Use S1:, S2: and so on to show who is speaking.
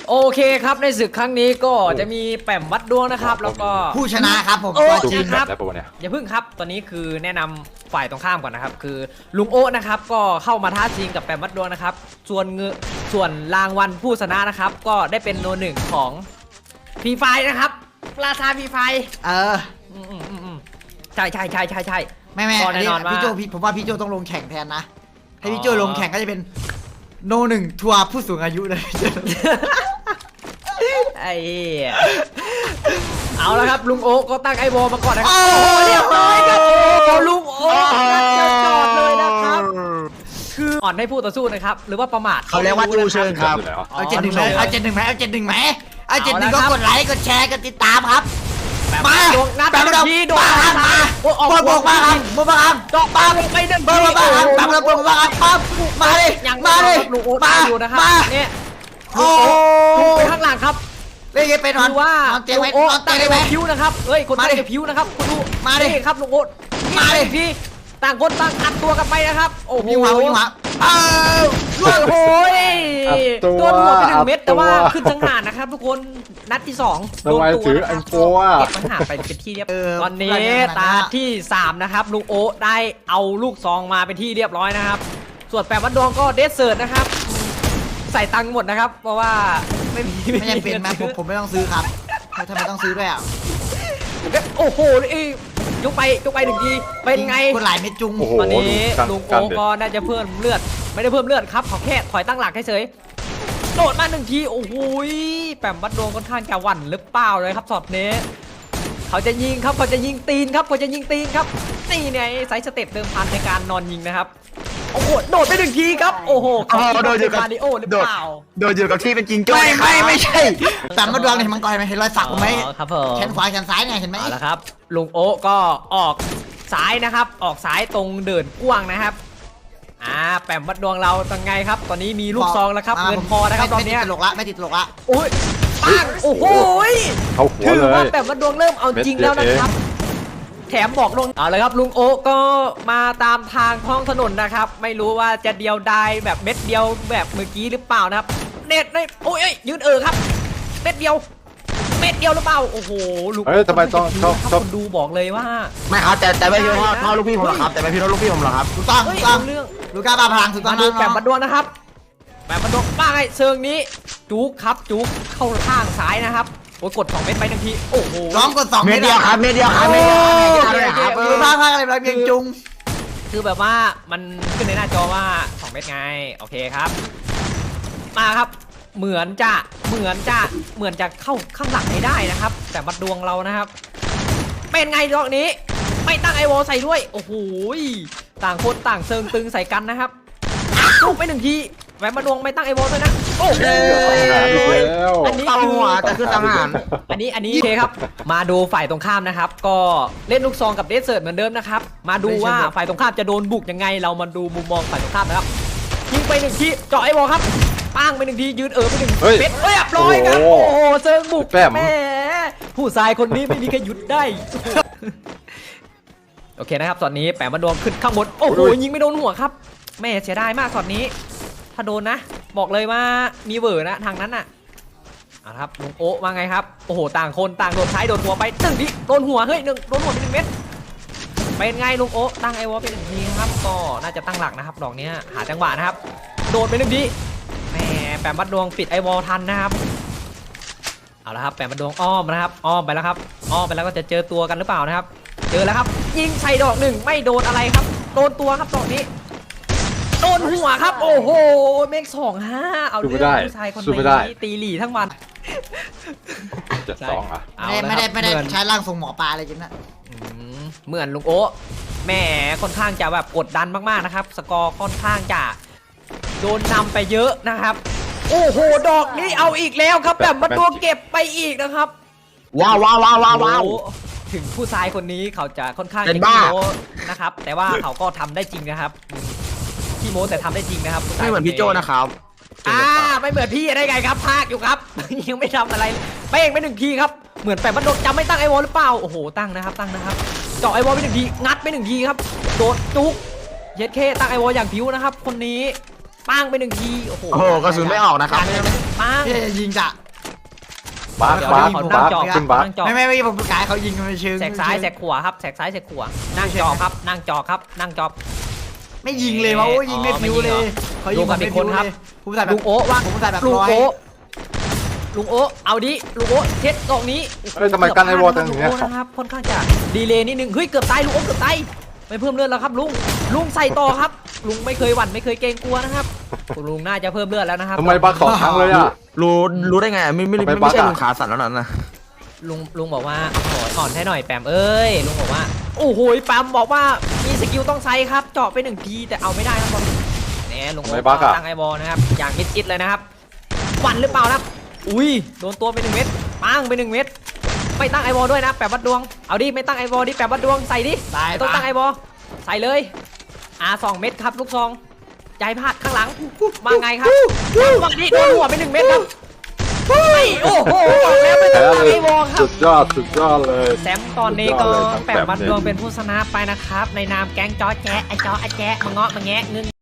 S1: โอเคครับในศึกครั้งนี้ก็จะมีแปมวัดดวงนะครับแล้วก็
S2: ผู้ชนะครับผม
S1: โอ้
S3: ดู
S1: จริ
S3: ผิ
S1: ง
S3: ด
S1: ครับ
S3: แล้วปะวะเนี่ย
S1: อย่าพึ่งครับตอนนี้คือแนะนำฝ่ายตรงข้ามก่อนนะครับคือลุงโอะนะครับก็เข้ามาท้าชิงกับแปมวัดดวงนะครับส่วนรางวัลผู้ชนะนะครับก็ได้เป็นโนหนึ่งของฟรีไฟนะครับราชาฟรีไฟใช่
S2: ไม่
S1: ก็แน่นอนว่า
S2: พี่โจผมว่าพี่โจต้องลงแข่งแทนนะให้พี่โจลงแข่งก็จะเป็นโนหนึ่งทัวร์ผู้สูงอายุเลย
S1: ไอ้เอาแล้วครับลุงโอ๊ก็ตั้งไอ้บอลมาก่อนนะครับโอ้เรียบร้อยครับลุงโอ๊จะจอดเลยนะครับคืออ่อนให้ผู้ต่อสู้นะครับหรือว่าประมาท
S4: เขาเรียกว่าจูเชิญครับ
S2: เอาเจ็ดหนึ่งไหมเอาเจ็ดหนึ่งไหมเอาเจ็ดหนึ่งไหมเอาเจ็ดหนึ่งก็กดไลค์กดแชร์กดติดตามครับมาแปมระพีโดนมาบอกมาครับบอกมาครับ
S1: เจาะปากลงไปหนึ่ง
S2: บอกมาครับแปมระพีบอกมาครับมาเลย
S1: ยัง
S2: มาเลย
S1: ลุงโอ๊
S2: มา
S1: อยู่นะครับเนี่ย
S2: โอ้
S1: ลุงไปข้างหลังครับ
S2: เล่นไปนอน
S1: คือว่า
S2: เตียงไว้
S1: โอ๊
S2: นอนเตี
S1: ตั้
S2: ย
S1: ง
S2: ง
S1: ไอ้
S2: ได้ไห
S1: บ
S2: ม
S1: อลพิ้วนะครับเฮ้ยคนตั้งไอ้พิ้วนะครับคุณดู
S2: มาดิ
S1: นี่ครับลุงโอ๊
S2: มาดิ
S1: พี่ต่างคนต่างอัดตัวกันไปนะครับโอ้โห
S2: วิ่งมา
S1: โอ้
S2: ล่วง
S1: โห
S3: ตัว
S1: โดนหัวไป1 เม็ดแต่ว่า
S3: ตัว
S1: ขึ้นจังหารนะครับทุกคนนัดที่2
S3: ทำไมถืออันโฟอ่ะ
S1: เก็บปัญหารไปเป็นที่เรียบตอนนี้ตาที่3นะครับลุงโอ๊ได้เอาลูกซองมาเป็นที่เรียบร้อยนะครับส่วนแปมวัดดวงก็เดสเซิร์ตนะครับใส่ตังค์หมดนะครับเพราะว่าไม่มี
S2: ไม่ยังเป็นไหมผมไม่ต้องซื้อครับทำไมต้องซื้อด้วยอ่ะ
S1: โอ้โหยกไป1 ทีเป็นไง
S2: คนหลายเม็ดจุง
S3: โอ้โห
S1: ตอนนี้
S3: ดู
S1: ลุง
S3: กั
S1: โอ๊
S3: นเด็ด
S1: ก็น่าจะเพิ่มเลือดไม่ได้เพิ่มเลือดครับเขาแค่ถอยตั้งหลักเฉยโดดมา1 ทีโอ้โหแปมวัดดวงค่อนข้างจะหวั่นหรือเปล่าเลยครับช็อตนี้เขาจะยิงครับเขาจะยิงตีนครับเขาจะยิงตีนครับนี่เนี่ยไซส์สเต็ปเดิมพันในการนอนยิงนะครับโอ้โหโดดไป1 ทีครับโอ้โหเขา
S4: โดดอยู่กับ
S1: คาร์ดิโอหรือเปล่า
S4: โดยอยู่กับที่เป็นจริงจ้อย
S2: ไม่ใช่แต่มาดวงเห็นมังกรไหมเห็นรอยสักผมไหม
S1: อ๋อครับผม
S2: แขนขวาแขนซ้ายไงเห็นไหม
S1: เอาละครับลุงโอ๊ก็ออกซ้ายนะครับออกซ้ายตรงเดินกว้างนะครับแปมวัดดวงเราตังไงครับตอนนี้มีลูกซองแล้วครับเงินพอนะครับตอนนี้
S2: ไม่ติดตลกละไม่ติดตลกละ
S1: โอ้ยปังโอ้โห
S3: เข้าหัว
S1: ถือ
S3: เลย
S1: ว่าแปมวัดดวงเริ่มเอาจริงแล้วนะครับแถมบอกลงเอาเลยครับลุงโอ๊ก็มาตามทางท้องถนนนะครับไม่รู้ว่าจะเดียวดายแบบเม็ดเดียวแบบเมื่อกี้หรือเปล่านะครับเน็ตในโอ้ยยืนครับเม็ดเดียวหรือเปล่าโอ้โหลูก
S3: เฮ้ยทำไมต้องชอบ
S1: คนดูบอกเลยว่า
S4: ไม่ครับแต่ไม่พี่พ่อลูกพี่ผมหรอกครับแต่ไม่พี่ลูกพี่ผมหรอกครับ
S2: ถูกต้อง
S1: เฮ้
S2: ถู
S1: ย
S2: กต้อง
S1: เรื่อง
S2: ลูก้าบาพลังถูกต้อ
S1: มาง ดูแปมบัดดวงนะครับแปมบัดดวงป้าไงเชิงนี้จุกครับจุกเข้าข้างซ้ายนะครับโอ้ยกด2 เม็ดไป1 ทีโอ้โห
S2: ร้องกด2
S4: เม็ดเดียวครับเม็ดเดียวครับ
S2: ไม่
S4: เม็ด
S2: ได้
S4: เดียวครับ
S2: ดูภาพอะไรแบบเพียงจุง
S1: คือแบบว่ามันขึ้นในหน้าจอว่า2 เม็ดไงโอเคครับมาครับเหมือนจะเข้าข้างหลังให้ได้นะครับ แต่บัดดวงเรานะครับเป็นไงดอกนี้ไม่ตั้งไอวอลใส่ด้วยโอ้โหต่างคนต่างเซิงตึงใส่กันนะครับลูกไป1 ทีแหวนบัดดวงไม่ตั้งไอวอลด้วยนะโอ้โห
S3: แล้ว
S1: อันนี้
S4: ตั้ง
S1: คือ
S4: หัวจะขึ้นตั้งหัน
S1: อันนี้โอเคครับมาดูฝ่ายตรงข้ามนะครับก็เล่นลูกซองกับเดสเซิร์ตเหมือนเดิมนะครับมาดูว่าฝ่ายตรงข้ามจะโดนบุกยังไงเรามาดูมุมมองฝ่ายตรงข้ามนะครับยิงไป1 ทีเจาะไอ้บอลครับปังไป1 ทียืนไป1
S3: เฮ้ย
S1: เม็ดเรียบร้อยครับ
S3: โอ้
S1: โอ้
S3: โห
S1: โหเซิงบุก
S3: แป้ม
S1: แหม่ผู้ชายคนนี้ไม่มีใครหยุดได้ โอเคนะครับตอนนี้แปมมาโดนขึ้นข้างบนโอ้โหยิงไม่โดนหัวครับแม่เสียดายมากตอนนี้ถ้าโดนนะบอกเลยว่ามีเวอร์นะทางนั้นน่ะเอาละครับลุงโอ๊ว่าไงครับโอ้โหต่างคนต่างโดนท้ายโดนหัวไป1 ทีโดนหัวเฮ้ยโดนหัวไป1 เม็ดเป็นไงลุงโอ๊ตั้งไอวอลไป1 ทีครับก็น่าจะตั้งหลักนะครับดอกนี้หาจังหวะนะครับโดนไป1 ทีแหมแปมบัดดวงปิดไอวอลทันนะครับเอาละครับแปมบัดดวงอ้อมนะครับอ้อมไปแล้วครับอ้อมไปแล้วก็จะเจอตัวกันหรือเปล่านะครับเจอแล้วครับยิงใส่ดอก1ไม่โดนอะไรครับโดนตัวครับดอกนี้โดนหัวครับโอ้โหเมก2-5เอาเรื่องผู้ชายคนนี้ตีหลี่ทั้งวัน
S3: 72อ่ะ
S2: ไม่ได้ใช้ร่างทรงหมอปลาอะไรกินนะ
S1: เหมือนลุงโอ๊แหมค่อนข้างจะแบบกดดันมากๆนะครับสกอร์ค่อนข้างจะโดนนำไปเยอะนะครับโอ้โหดอกนี้เอาอีกแล้วครับแบบมาตัวเก็บไปอีกนะครับ
S4: ว้าว
S1: ถึงผู้ชายคนนี้เขาจะค่อนข้าง
S4: เป็น
S1: จะ
S4: บ้า
S1: ขี้โม้นะครับแต่ว่าเขาก็ทำได้จริงนะครับขี้โม้แต่ทำได้จริงนะครับผู้ชาย
S4: ไม่เหมือนพี่โจนะครับ
S1: ไม่เหมือนพี่ได้ไงครับพากอยู่ครับ ยังไม่ทำอะไรเป้งไป1 ทีครับเหมือนแปมบัดดวงจำไม่ตั้งไอวอลหรือเปล่าโอ้โหตั้งนะครับเจาะไอวอลไป1 ทีงัดไป1 ทีครับโดดจุกเย็ดเคตั้งไอวอลอย่างผิวนะครับคนนี้ปังไป1 ทีโอ้โห
S4: โอ้โหกระสุนไม่ออกนะครับ
S1: เปัง
S2: พี่จะยิงจ้ะ
S3: บัก
S1: เดี๋ยว
S3: บัก
S1: ขอ
S3: บั
S1: นั่ง
S3: ก
S1: จอ
S3: ขึ้นบัก
S1: นั่งจอ
S2: ไม่ผมกายเขายิงมันเชิง
S1: แสกซ้ายแสกขวาครับแสกซ้ายแสกขวานั่งจอครับนั่งจอครับนั่งจอ
S2: ไม่ยิงเลยวะโอ้ยิงไม่ฟิวเลยเขายิงแบบไม่ฟิวเลยผมใส่แบบ
S1: ลุงโอ๊ว่าง
S2: ผมใส่แบบ
S1: ลุง
S2: ร้อย
S1: โอ๊ลุงโอ๊เอาดิลุงโอ๊เช็ดตรงนี้
S3: เฮ้ยทำไมกันไอ้วอลจังอย่างเงี้ย
S1: ลุโอ๊นะครับค่อนข้างจะดีเลย์นิดนึงเฮ้ยเกือบตายลุงโอ๊เกือบตายไม่เพิ่มเลือดแล้วครับลุงใส่ต่อครับลุงไม่เคยหวั่นไม่เคยเกรงกลัวนะครับลุงน่าจะเพิ่มเลือดแล้วนะครับ
S3: ทำไมบัก2 ครั้งเลยอ่ะ
S4: รู้ได้ไงไม่ใช่ลุงขาสั่นแล้วนั่นนะ
S1: ลุงบอกว่าอ่อนให้หน่อยแปมเอ้ยลุงบอกว่าโอ้โหแปมบอกว่ามีสกิลต้องใช้ครับเจาะไป1 ทีแต่เอาไม่ได้ครับบอลเนี่ยลุงโอ๊ตั้งไอบอลนะครับอย่างมิดชิดเลยนะครับหวั่นหรือเปล่านะอุ้ยโดนตัวไป1 เม็ดปังไป1 เม็ดไม่ตั้งไอบอลด้วยนะแปมวัดดวงเอาดิไม่ตั้งไอบอลดิแปมวัดดวงใส่ดิ
S2: ตาย
S1: ต้องตั้งไอบอลใส่เลย2 เม็ดครับลูกซองใจพลาดข้างหลังมาไงครับวันนี้โดนหัวไป1 เม็ดครับโอ้โหบอกแล้วไม่ต้
S3: แพ้
S1: องตั้ง
S3: เลย
S1: ไอบอลครับ
S3: สุดยอดเลย
S1: แซมตอนนี้ก็
S3: สุดยอดเลยทั้ง
S1: แปมวัด
S3: แปมเนี่ย
S1: ดวงเป็นผู้ชนะไปนะครับในนามแก๊งจอแจ๊ไอจอไอแจ๊มาเงาะมาแงะงึง